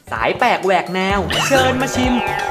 สายแปลกแหวกแนวเชิญมาชิม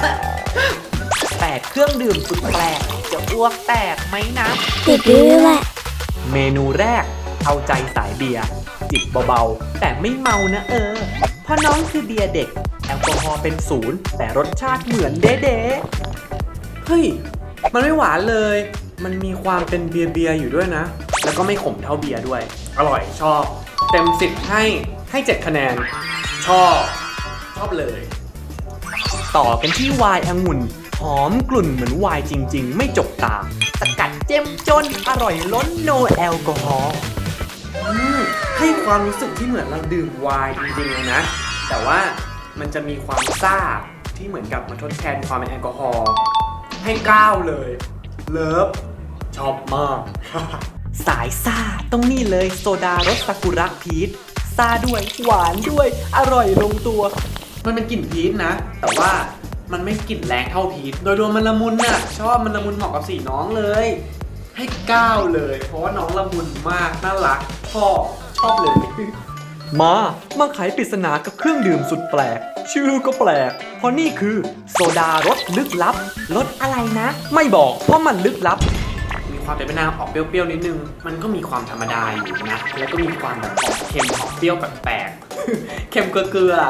8เครื่องดื่มสุดแปลกจะอ้วกแตกไหมนะติดดื้อแหละเมนูแรกเอาใจสายเบียร์จิบเบาๆแต่ไม่เมานะเพราะน้องคือเบียร์เด็กแอลกอฮอล์เป็น0แต่รสชาติเหมือนเด๊ะเฮ้ยมันไม่หวานเลยมันมีความเป็นเบียร์อยู่ด้วยนะแล้วก็ไม่ขมเท่าเบียร์ด้วยอร่อยชอบเต็ม10ให้7คะแนนชอบเลยต่อกันที่ไวน์องุ่นหอมกลุ่นเหมือนไวน์จริงๆไม่จกตาสกัดเจ้มจนอร่อยล้นโนแอลกอฮอล์ให้ความรู้สึกที่เหมือนเราดื่มไวน์จริงๆเลยนะแต่ว่ามันจะมีความซ่าที่เหมือนกับมาทดแทนความเป็นแอลกอฮอล์ให้9เลยเลิฟชอบมาก สายซ่าต้องนี่เลยโซดารสซากุระพีชซ่าด้วยหวานด้วยอร่อยลงตัวมันเป็นกลิ่นพีชนะแต่ว่ามันไม่กลิ่นแรงเท่าพีชโดยรวมมันละมุนน่ะชอบมันละมุนเหมาะกับสีน้องเลยให้9เลยเพราะว่าน้องละมุนมากน่ารักชอบเลยมาไขปริศนากับเครื่องดื่มสุดแปลกชื่อก็แปลกเพราะนี่คือโซดารสลึกลับรสอะไรนะไม่บอกเพราะมันลึกลับมีความเป็นมะนาวออกเปรี้ยวๆนิดนึงมันก็มีความธรรมดาอยู่นะแล้วก็มีความแบบออกเค็มออกเปรี้ยวแปลกๆ เค็มเกลือ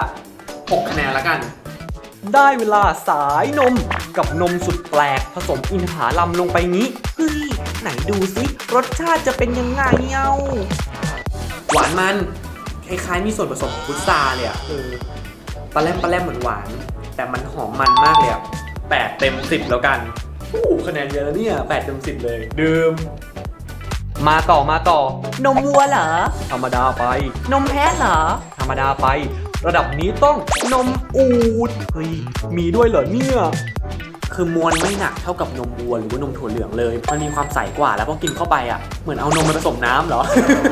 6คะแนนแล้วกันได้เวลาสายนมกับนมสุดแปลกผสมอินทผลัมลงไปงี้เฮ้ยไหนดูสิรสชาติจะเป็นยังไงหวานมันคล้ายๆมีส่วนผสมของพุทราเลยอ่ะปลาแรมเหมือนหวานแต่มันหอมมันมากเลยอ่ะ8 เต็ม 10แล้วกันคะแนนเยอะแล้วเนี่ย8 เต็ม 10เลยดื่มมาต่อนมวัวเหรอธรรมดาไปนมแพะเหรอธรรมดาไประดับนี้ต้องนมอูฐเฮ้ยมีด้วยเหรอเนี่ยคือมวลไม่หนักเท่ากับนมวัวหรือว่านมถั่วเหลืองเลยมันมีความใสกว่าแล้วพอกินเข้าไปอ่ะเหมือนเอานมมาผสมน้ำเหรอ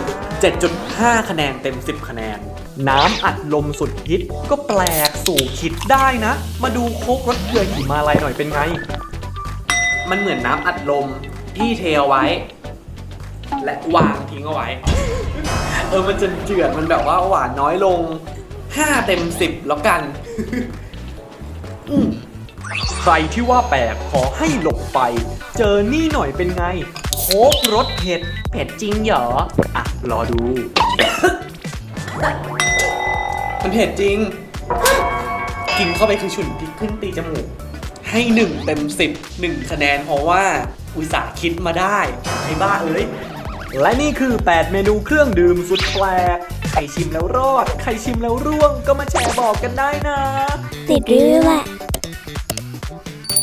7.5 คะแนนเต็ม 10 คะแนนน้ำอัดลมสุดฮิตก็แปลกสู่คิดได้นะมาดูโค้กรสเกลือหิมาลัยหน่อยเป็นไงมันเหมือนน้ำอัดลมที่เทเอาไว้และวางทิ้งเอาไว้ มันจะเจือดมันแบบว่าหวานน้อยลง5 เต็ม 10แล้วกัน ใครที่ว่าแปลกขอให้หลบไปเจอนี่หน่อยเป็นไงโค้กรสเผ็ดจริงเหรอรอดู มันเผ็ดจริง กินเข้าไปคือฉุนพริกขึ้นตีจมูกให้1 เต็ม 10 1 คะแนนเพราะว่าอุตส่าห์คิดมาได้ไอ้บ้าเอ้ยและนี่คือ8 เมนูเครื่องดื่มสุดแปลกใครชิมแล้วรอดใครชิมแล้วร่วงก็มาแชร์บอกกันได้นะติดดื้อแหละ